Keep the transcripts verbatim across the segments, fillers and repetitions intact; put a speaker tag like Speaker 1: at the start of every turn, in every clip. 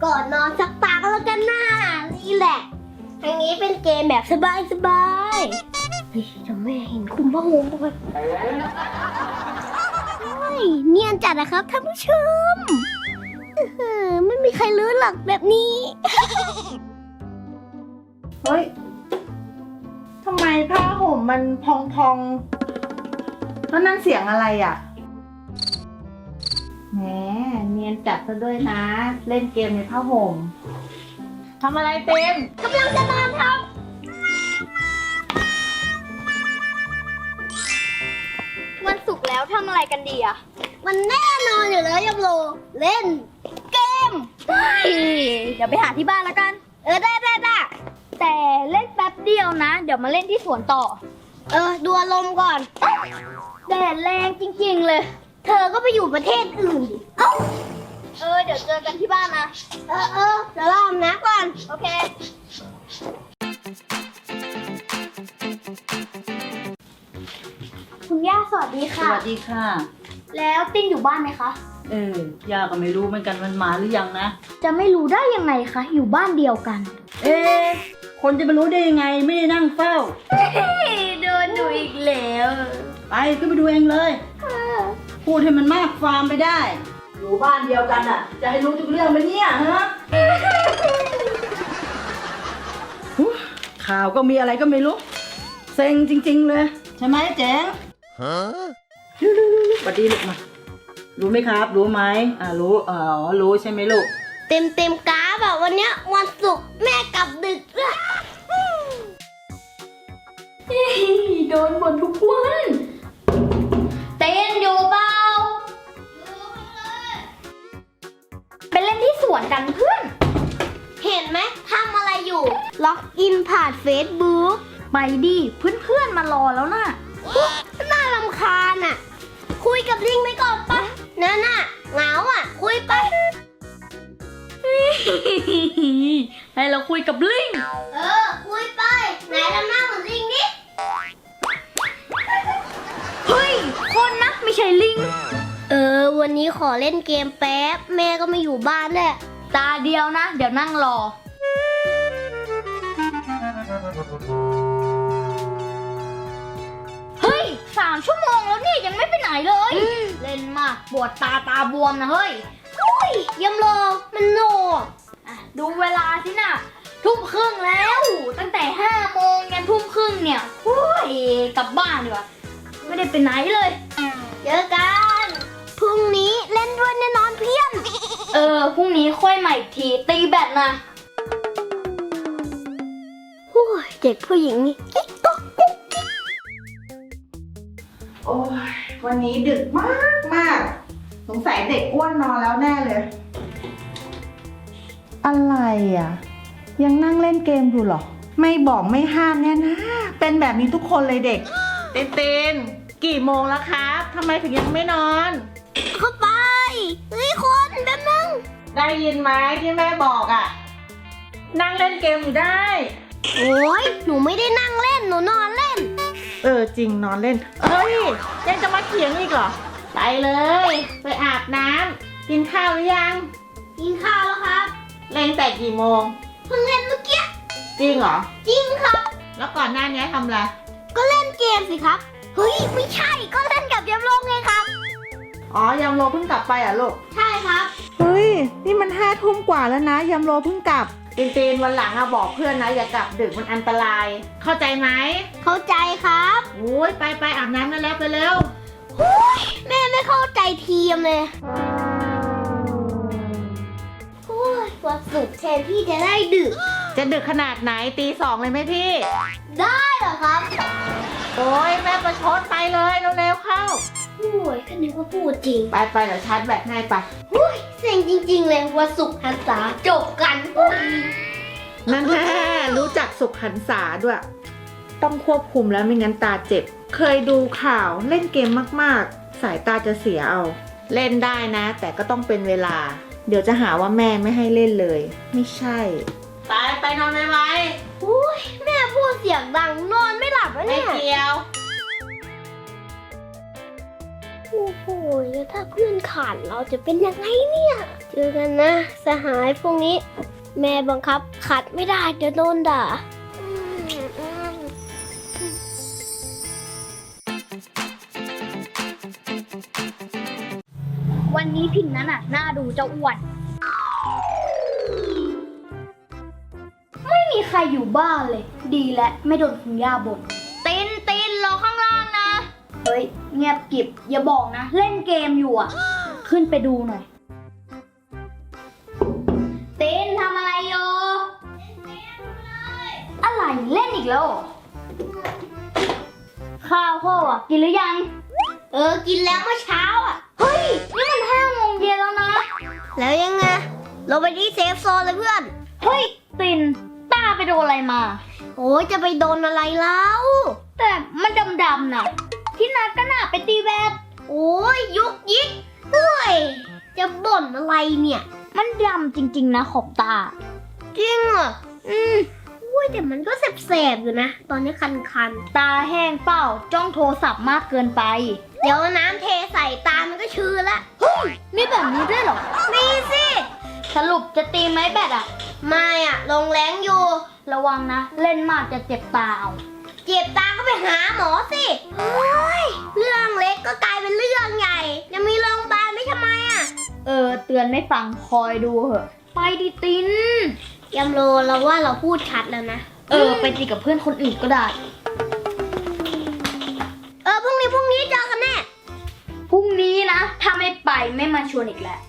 Speaker 1: ก่อนนอนสักตาก็แล้วกันนะนี่แหละทางนี้เป็นเกมแบบสบายๆเฮ้ยจะแม่เห็นคุมผ้าห่มด้วยเฮ้ยเนียนจัดนะครับท่านผู้ชมเออไม่มีใครรู้หรอกแบบนี้
Speaker 2: เฮ้ย ทำไมผ้าห่มมันพองพองๆแล้วนั่นเสียงอะไรอ่ะแหมเนียนจัดซะด้วยนะ เล่นเกมในผ้าห่มทำอะไรเต็ม
Speaker 1: กำลังจะนอนครับวันศุกร์แล้วทำอะไรกันดีอะมันแน่นอนอยู่แล้วยับโลเล่นเกมเดี๋ยวไปหาที่บ้านแล้วกัน เออได้ได้ได้แต่เล่นแป๊บเดียวนะ เดี๋ยวมาเล่นที่สวนต่อ เออดูอารมณ์ก่อนแดดแรงจริงๆเลย เธอก็ไปอยู่ประเทศอื่นดิเอ้าเออเดี๋ยวเจอกันที่บ้านนะ เออเออเดี๋ยวรอมนะก่อน โอเค คุณย่าสวัสดี
Speaker 3: ส
Speaker 1: ค่ะ
Speaker 3: วัสดีค่ะ
Speaker 1: แล้วติ้นอยู่บ้านไหมคะ
Speaker 3: เออย่าก็ไม่รู้เหมือนกันมันมาหรือยังนะ
Speaker 1: จะไม่รู้ได้ยังไงคะ อยู่บ้านเดียวกัน
Speaker 3: เอ๊ะคนจะไปรู้ได้ยังไงไม่ได้นั่งเฝ้า
Speaker 1: โดนดูอีกแล้ว
Speaker 3: ไปก็ไปดูเองเลย พูดให้มันมากความไปได้ อยู่บ้านเดียวกันอ่ะ จะให้รู้ทุกเรื่องไหมเนี่ยฮะหูข่าวก็มีอะไรก็ไม่รู้ เซ็งจริงๆเลย ใช่ไหมเจ๋งฮะสวัสดีลูกมา รู้ไหมครับ รู้ไหมอ่ารู้อ๋อรู้ใช่ไหมลูก
Speaker 1: เต็มเต็มกราฟแบบวันเนี้ยวันศุกร์แม่กลับดึกด้วยโดนบ่นทุกวันเต้นอยู่เปล่าไปเล่นที่สวนกันเพื่อน เห็นไหมทำอะไรอยู่ ล็อกอินผ่านเฟซบุ๊กไปดิเพื่อนๆมารอแล้วน่ะน่ารำคาญอ่ะ คุยกับลิงไปก่อนปะนั่นน่ะเหงาอ่ะ คุยไป
Speaker 4: ให้เราคุยกับลิง
Speaker 1: เออ คุยไป ไหนทำหน้าเหมือนลิงดิ
Speaker 4: เฮ้ย คนนะไม่ใช่ลิง
Speaker 1: เออ วันนี้ขอเล่นเกมแป๊บ แม่ก็ไม่อยู่บ้านแหละ
Speaker 4: ตาเดียวนะ เดี๋ยวนั่งรอ เฮ้ยสามชั่วโมงแล้วเนี่ยยังไม่ไปไหนเลย เล่นมากปวดตาตาบวมนะเฮ้ย
Speaker 1: อุ้ยยำโลมันโหนก
Speaker 4: อ่ะดูเวลาสินะทุ่มครึ่งแล้ว ตั้งแต่ห้าโมงยันทุ่มครึ่งเนี่ยโอ้ยกลับบ้านดีกว่าไม่ได้ไปไหนเลย
Speaker 1: เจอกันพรุ่งนี้เล่นด้วยแน่นอนเพี้ยน
Speaker 4: เออพรุ่งนี้ค่อยใหม่อีกทีตีแบตนะ
Speaker 1: โอ้ยเด็กผู้หญิงนี่กิ๊กก๊อกกุ๊กกิ๊ก
Speaker 2: โอ้ยวันนี้ดึกมากมากสงสัยเด็กอ้วนนอนแล้วแน่เลย อะไรอ่ะ ยังนั่งเล่นเกมอยู่เหรอ ไม่บอกไม่ห้ามเนี่ยนะ เป็นแบบนี้ทุกคนเลยเด็ก เต้นเต้นกี่โมงแล้วครับทำไมถึงยังไม่นอน
Speaker 1: เข้าไป เฮ้ยคนแป๊บนึง
Speaker 2: ได้ยินไหมที่แม่บอกอ่ะ นั่งเล่นเกมอยู่ได้
Speaker 1: โอ้ยหนูไม่ได้นั่งเล่น หนูนอนเล่น
Speaker 2: เออจริงนอนเล่น เอ้ยยังจะมาเถียงอีกเหรอ ไปเลย ไปอาบน้ำกินข้าวหรือยัง
Speaker 1: กินข้าวแล้วครับ
Speaker 2: เล่นแต่กี่โมง
Speaker 1: เพิ่งเล่นเมื่อกี้
Speaker 2: จริงเหรอ
Speaker 1: จริงครับ
Speaker 2: แล้วก่อนหน้านี้ทำอะไร
Speaker 1: ก็เล่นเกมสิครับ เฮ้ย ไม่ใช่ ก็เล่นกับยำโลงไงครับ
Speaker 2: อ๋อยำโรเพิ่งกลับไปอ่ะลูก
Speaker 1: ใช่ครับ
Speaker 2: เฮ้ย นี่มันห้าทุ่มกว่าแล้วนะยำโรเพิ่งกลับตีนตีนวันหลังอะบอกเพื่อนนะอย่ากลับดึกมันอันตราย เข้าใจไหม
Speaker 1: เข้าใจครับ
Speaker 2: โอ้ยไปไปอาบน้ำได้แล้วไปเร็ว
Speaker 1: แม่ไม่เข้าใจทีมเลยโอ้ยวันศุกร์แทนที่จะได้ดึก
Speaker 2: จะดึกขนาดไหนตีสองเลยไหมพี่
Speaker 1: ได้เหรอครับ
Speaker 2: โอ้ยแม่ประชดไปเลยเร็วๆเข้า
Speaker 1: โอ้ยก็นึกว่าพูดจริง
Speaker 2: ไปไปเดี๋ยวชาร์จแบตให้ไป
Speaker 1: โอ้ยเซ็งจริงๆเลยวันศุกร์หันษาจบกันโอ้ย
Speaker 2: นั่นแน่รู้จักสุขหันษาด้วย ต้องควบคุมแล้วไม่งั้นตาเจ็บ เคยดูข่าวเล่นเกมมากๆ สายตาจะเสียเอา เล่นได้นะ แต่ก็ต้องเป็นเวลา เดี๋ยวจะหาว่าแม่ไม่ให้เล่นเลย ไม่ใช่ ไปไปนอนไว
Speaker 1: โอ้ยแม่พูดเสียงดังนอนไม่หลับแล้ว
Speaker 2: ๆไม่
Speaker 1: เนี่ย
Speaker 2: เกี่ยว
Speaker 1: โโอ้โหแล้วถ้าเพื่อนขาดเราจะเป็นยังไงเนี่ย เจอกันนะ สหายพวกนี้ แม่บังคับขัดไม่ได้เดี๋ยวโดนด่า
Speaker 4: วันนี้พิมพ์นั้นอ่ะน่าดูเจ้าอ้วน ไม่มีใครอยู่บ้านเลย ดีและไม่โดนคุณย่าบ่นตินตินรอข้างล่างนะ เฮ้ย เงียบกริบอย่าบอกนะ เล่นเกมอยู่อ่ะ ขึ้นไปดูหน่อยตินทำอะไรอยู่อะไรเล่นอีกแล้วเหรอข้าวพ่ออ่ะกินหรือยัง
Speaker 1: เออ กินแล้วเมื่อเช้าอ่ะ
Speaker 4: เฮ้ย นี่มันห้าโมงเย็นแล้วนะ
Speaker 1: แล้วยังไงเราไปที่เซฟโซนเลยเพื่อน
Speaker 4: เฮ้ย ตินตาไปโดนอะไรมา
Speaker 1: โอ้ยจะไปโดนอะไรแล้ว
Speaker 4: แต่มันดำๆน่ะ ที่นัดก็น่ะไปตีแบด
Speaker 1: โอ้ยยุกยิกเฮ้ย จะบ่นอะไรเนี่ย
Speaker 4: มันดำจริงๆนะขอบตา
Speaker 1: จริงเหรอ อืมอุ้ยแต่มันก็แสบๆอยู่นะ ตอนนี้คัน
Speaker 4: ตาแห้งเปล่าจ้องโทรศัพท์มากเกินไป
Speaker 1: ๆ เดี๋ยวน้ำเทใส่ตามันก็ชื้นละ
Speaker 4: มีแบบนี้ด้วยเหรอ
Speaker 1: มีสิ
Speaker 4: สรุปจะตีไหมแบดอะ
Speaker 1: ไม่อะลงแรงอยู่
Speaker 4: ระวังนะ เล่นมากจะเจ็บตาเอา
Speaker 1: เจ็บตาก็ไปหาหมอสิโอ้ยเรื่องเล็กก็กลายเป็นเรื่องใหญ่จะมีโรงพยาบาลไม่ทำไมอะ
Speaker 4: เออ เตือนไม่ฟังคอยดูเหอะ ไปดิติน
Speaker 1: ยำโรเราว่าเราพูดชัดแล้วนะ
Speaker 4: เออ ไปตีกับเพื่อนคนอื่นก็ได้
Speaker 1: เออพรุ่งนี้พรุ่งนี้เจอกันแน่
Speaker 4: พรุ่งนี้นะ ถ้าไม่ไปไม่มาชวนอีกแล้ว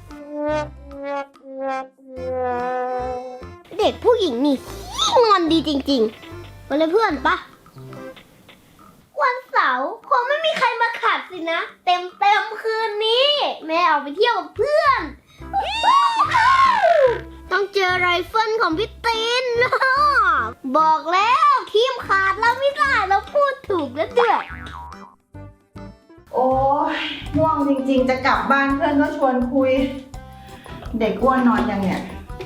Speaker 1: เด็กผู้หญิงนี่งอนดีจริงๆไปเลยเพื่อนปะวันเสาร์คงไม่มีใครมาขัดสินะ เต็มเต็มๆคืนนี้ แม่เอาไปเที่ยวกับเพื่อน ต้องเจอไรเฟิลของพี่ตีน บอกแล้วทีมขาดแล้วไม่ได้เราพูดถูกแล้วเดือด
Speaker 2: โอ้ยง่วงจริงๆ จะกลับบ้านเพื่อนก็ชวนคุย เด็กอ้วนนอนยังเนี่ย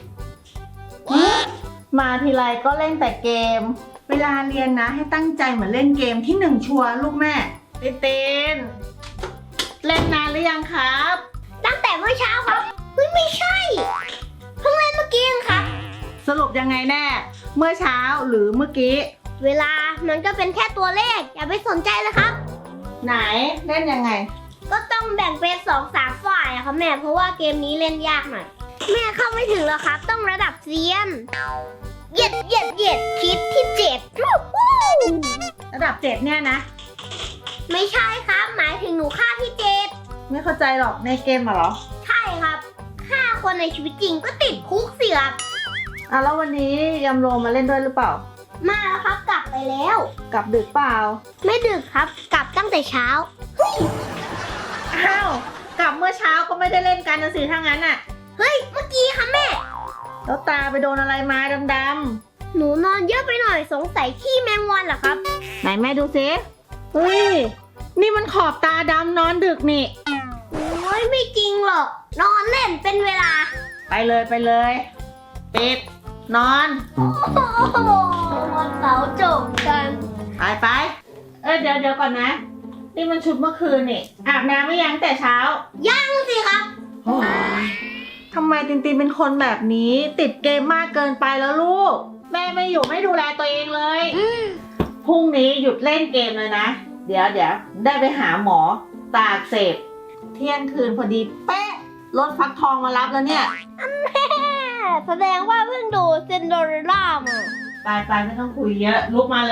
Speaker 2: มาทีไรก็เล่นแต่เกม เวลาเรียนนะให้ตั้งใจเหมือนเล่นเกมที่หนึ่งชัวร์ลูกแม่เต้นเต้นเล่นนานหรือยังครับ
Speaker 1: ตั้งแต่เมื่อเช้าครับเฮ้ยไม่ใช่เพิ่งเล่นเมื่อกี้เองครับ
Speaker 2: สรุปยังไงแน่ เมื่อเช้าหรือเมื่อกี้
Speaker 1: เวลามันก็เป็นแค่ตัวเลข อย่าไปสนใจเลยครับ
Speaker 2: ไหนเล่นยังไง
Speaker 1: ก็ต้องแบ่งเป็นสองสามฝ่ายอะครับแม่เพราะว่าเกมนี้เล่นยากหน่อยแม่เข้าไม่ถึงแล้วครับ ต้องระดับเซียนเหยียดเหยียดเหยียดคิดที่เจ็ด
Speaker 2: ระดับเจ็ดเนี่ยนะ
Speaker 1: ไม่ใช่ครับ หมายถึงหนูฆ่าที่เจ็ด
Speaker 2: ไม่เข้าใจหรอกในเกมอะเหรอ
Speaker 1: ใช่ครับฆ่าคนในชีวิตจริงก็ติดคุกสิครับ
Speaker 2: อ่ะแล้ววันนี้ยำโรมาเล่นด้วยหรือเปล่า
Speaker 1: มาแล้วครับกลับไปแล้ว
Speaker 2: กลับดึกเปล่า
Speaker 1: ไม่ดึกครับ กลับตั้งแต่เช้า
Speaker 2: อ้าวกลับเมื่อเช้าก็ไม่ได้เล่นกันนะสิถ้างั้นอ่ะ
Speaker 1: เฮ้ยเมื่อกี้ค่ะแม่
Speaker 2: แล้วตาไปโดนอะไรมาดำ
Speaker 1: หนูนอนเยอะไปหน่อยสงสัยขี้แมงวันเหรอครับ
Speaker 2: ๆไหนแม่ดูซิเฮ้ยนี่มันขอบตาดำนอนดึกนี่
Speaker 1: โอ้ยไม่จริงหรอกนอนเล่นเป็นเวลา
Speaker 2: ไปเลยไปเลยปิดนอน
Speaker 1: โอ้โหวันเสาร์จบกัน
Speaker 2: ไปไปเออเดี๋ยวเดี๋ยวก่อนนะ นี่มันชุดเมื่อคืนนี่อาบน้ำไม่ยังแต่เช้า
Speaker 1: ยังสิครับ
Speaker 2: โอ้ยทำไมตินตินเป็นคนแบบนี้ติดเกมมากเกินไปแล้วลูก แม่ไม่อยู่ไม่ดูแลตัวเองเลยพรุ่งนี้หยุดเล่นเกมเลยนะ เดี๋ยวเดี๋ยวได้ไปหาหมอตาอักเสบเที่ยงคืนพอดีเป๊ะรถฟักทองมารับแล้วเนี่ย
Speaker 1: แสดงว่าเพิ่งดูเซนโดเรลล่ามา
Speaker 2: ไปไปไม่ต้องคุยเยอะลุกมาเลย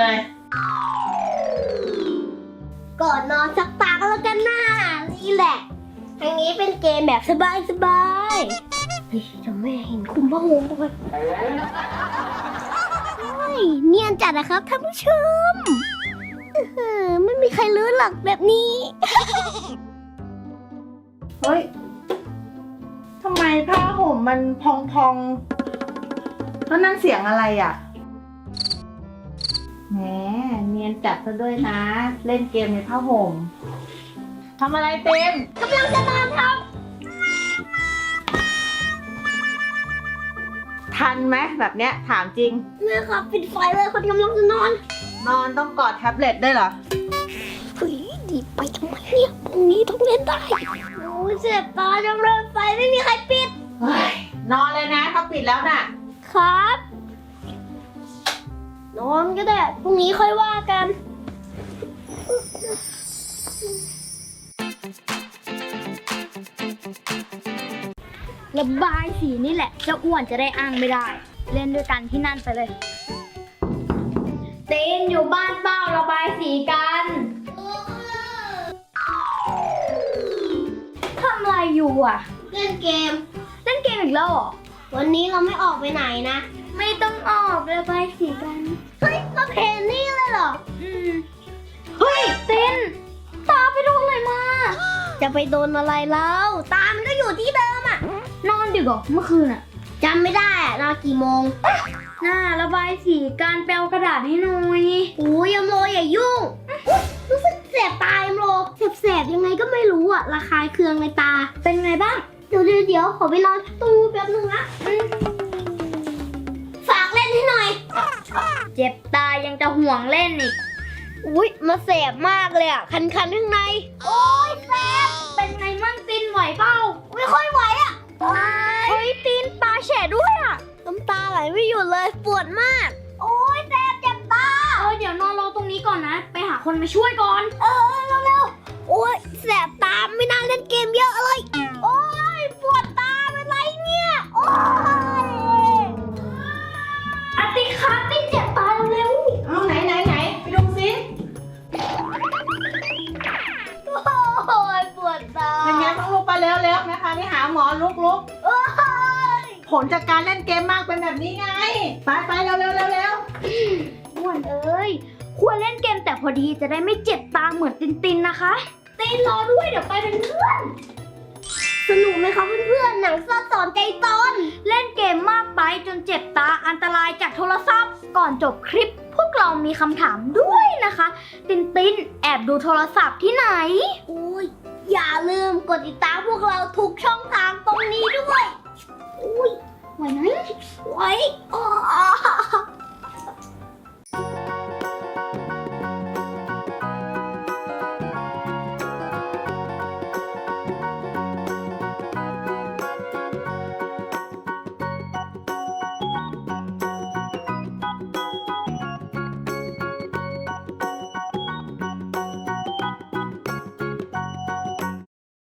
Speaker 1: ก่อนนอนสักตาก็แล้วกันนะนี่แหละทางนี้เป็นเกมแบบสบายสบายๆเฮ้ยเดี๋ยวแม่เห็นคุมผ้าห่มไปเฮ้ยเนียนจัดนะครับท่านผู้ชมอื้อหือไม่มีใครรู้หรอกแบบนี้
Speaker 2: เฮ้ยทำไมผ้าห่มมันพองพองๆแล้วนั่นเสียงอะไรอ่ะแหมเนียนจัดซะด้วยนะ เล่นเกมในผ้าห่มทำอะไรเต็ม
Speaker 1: กำลังจะนอนครับ
Speaker 2: ทันไหมแบบเนี้ยถามจริง
Speaker 1: แม่ครับปิดไฟเลยคนกำลังจะนอน
Speaker 2: นอนต้องกอดแท็บเล็ตได้วยเหรอ
Speaker 1: เฮ้ยดีไปทำไมเนี่ยตรงนี้ต้องเล่นได้โอ้ยเจ็บตาจังเลยไฟไม่มีใครปิด
Speaker 2: เฮ้ยนอนเลยนะเขาปิดแล้วน่ะ
Speaker 1: ครับ นอนก็ได้พรุ่งนี้ค่อยว่ากัน
Speaker 4: ระบายสีนี่แหละเจ้าอ้วนจะได้อ้างไม่ได้ เล่นด้วยกันที่นั่นไปเลยเต้นอยู่บ้านเปล่าระบายสีกันทำอะไรอยู่อ่ะ
Speaker 1: เล่นเกม
Speaker 4: เล่นเกมอีกแล้วเหรอ
Speaker 1: วันนี้เราไม่ออกไปไหนนะ
Speaker 4: ไม่ต้องออกระบายสีกัน
Speaker 1: เฮ้ยมาเพนนี่เลยเหรอ
Speaker 4: อืมเฮ้ยเต้นตาไปโดนอะไรมา
Speaker 1: จะไปโดนอะไรแล้ว ตามันก็อยู่ที่เดิมอ่ะ
Speaker 4: นอนดึกเหรอเมื่อคืนอ่ะ
Speaker 1: จำไม่ได้อะนอนกี่โมง
Speaker 4: น่าระบายสีการแปลกระดาษให้หน่อย
Speaker 1: โอ้ยยมโลอย่ายุ่งอุ๊ยรู้สึกแสบตายมโลแสบๆยังไงก็ไม่รู้อ่ะระคายเคืองในตา
Speaker 4: เป็นไงบ้าง
Speaker 1: เดี๋ยวเดี๋ยวเดี๋ยวขอไปนอนตู้แป๊บนึงนะอืมฝากเล่นให้หน่อย
Speaker 4: เจ็บตายังจะห่วงเล่นอีก
Speaker 1: อุ้ยมาแสบมากเลยอ่ะ คันๆข้างใน โอ้ยแสบ
Speaker 4: เป็นไงมั่งตินไหวเปล่า
Speaker 1: ไม่ค่อยไหวอ่ะ
Speaker 4: เฮ้ยตินตาแฉะด้วยอ่ะ
Speaker 1: น้ำตาไหลไม่หยุดเลยปวดมาก โอ้ยแสบเจ็บตา
Speaker 4: เออเดี๋ยวนอนรอตรงนี้ก่อนนะ ไปหาคนมาช่วยก่อน
Speaker 1: เออเร็วๆโอ้ยแสบตาไม่น่าเล่นเกมเยอะเลย โอ้ยปวดตาเป็นไรเนี่ย โอ้ย
Speaker 4: อาตินคะตินเจ็บตาเร็ว
Speaker 2: เอาไหนไหนไหนไปดูสิ
Speaker 1: โอ้ยปวดตา
Speaker 2: เป็นไงต้องลุกไปแล้วแล้วนะคะไปหาหมอลุกลุก
Speaker 1: โอ้ย
Speaker 2: ผลจากการเล่นเกมมากเป็นแบบนี้ไง ไปไปเร็วเร็วเร็วเร็ว
Speaker 4: ๆอ้วนเอ้ยควรเล่นเกมแต่พอดีจะได้ไม่เจ็บตาเหมือนตินตินนะคะตินรอด้วยเดี๋ยวไปเป็นเพื่อน
Speaker 1: สนุกไหมคะเพื่อนๆ หนังซ่อนสอนใจตอน
Speaker 4: เล่นเกมมากไปจนเจ็บตาอันตรายจากโทรศัพท์ ก่อนจบคลิป พวกเรามีคำถามด้วยนะคะ ตินตินแอบดูโทรศัพท์ที่ไหน
Speaker 1: โอ้ย อย่าลืมกดติดตามพวกเราทุกช่องทางตรงนี้ด้วย อุ้ย
Speaker 4: ไหวไหม
Speaker 1: ไว้อ๋อ